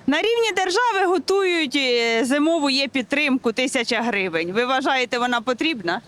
На рівні держави готують зимову є-підтримку 1000 гривень. Ви вважаєте, вона потрібна?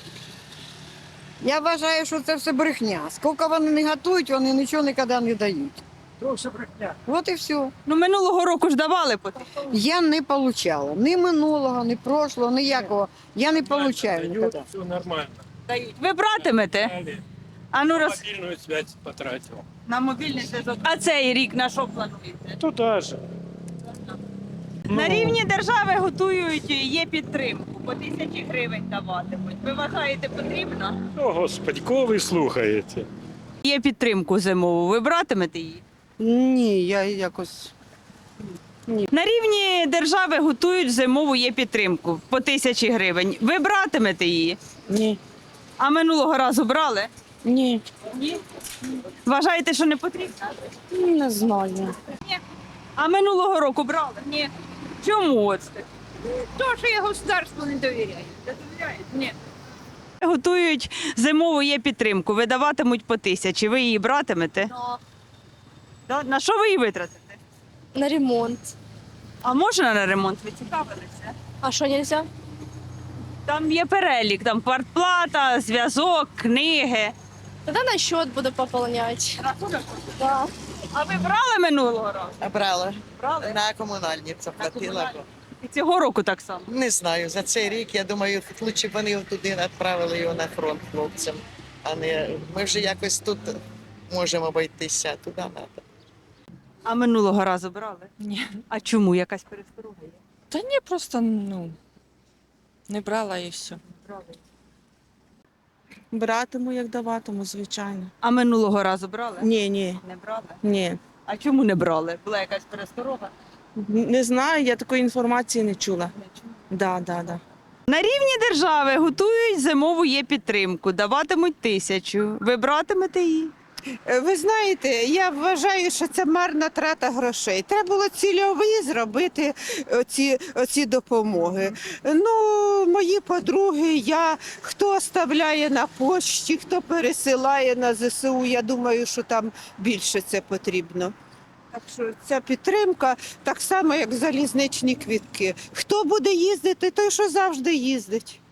Я вважаю, що це все брехня. Скільки вони не готують, вони нічого ніколи не дають. Тоже брехня. От і все. Ну, минулого року ж давали потрібно. Я не отримала ні минулого, ні прошлого, ніякого. Я не отримую ніколи. Все нормально. Дають. Ви братимете? Дали. А ну роз... Мобильную связь потратил. на мобільний зв'язок. А цей рік на що плануєте? Туда же. На рівні держави готують є-підтримку, по 1000 гривень даватимуть. Ви вважаєте, потрібно? О, Господи, кого ви слухаєте? Є-підтримку зимову. Ви братимете її? Ні, я якось. На рівні держави готують зимову є-підтримку по 1000 гривень. Ви братимете її? Ні. А минулого разу брали? Ні. Ні. Вважаєте, що не потрібно? Не знаю. А минулого року брали? Ні. Чому от? То, що я государству не довіряю. Не довіряєте? Ні. Готують зимову є-підтримку, видаватимуть по 1000. Ви її братимете? Да? На що ви її витратите? На ремонт. А можна на ремонт? Ви цікавилися? А що нельзя? Там є перелік, там квартплата, зв'язок, книги. Тогда на счет буду пополнять. Да. А ви брали минулого разу? Брала. Брали? На комунальні заплатила. І цього року так само. Не знаю, за цей рік, я думаю, лучше б вони туди відправили його на фронт хлопцям. А не ми вже якось тут можемо обійтися, туди треба. А минулого разу брали? Ні. А чому? Якась пересторога є? Та ні, просто не брала і все. Брали. Братиму, як даватиму, звичайно. А минулого разу брали? Ні. Не брали? Ні. А чому не брали? Була якась пересторога? Не знаю, я такої інформації не чула. Да. На рівні держави готують зимову є-підтримку, даватимуть 1000. Ви братимете її? Ви знаєте, я вважаю, що це марна трата грошей. Треба було цільові зробити оці допомоги. Ну, мої подруги, хто оставляє на пошті, хто пересилає на ЗСУ, я думаю, що там більше це потрібно. Так що ця підтримка так само, як залізничні квітки. Хто буде їздити, той, що завжди їздить.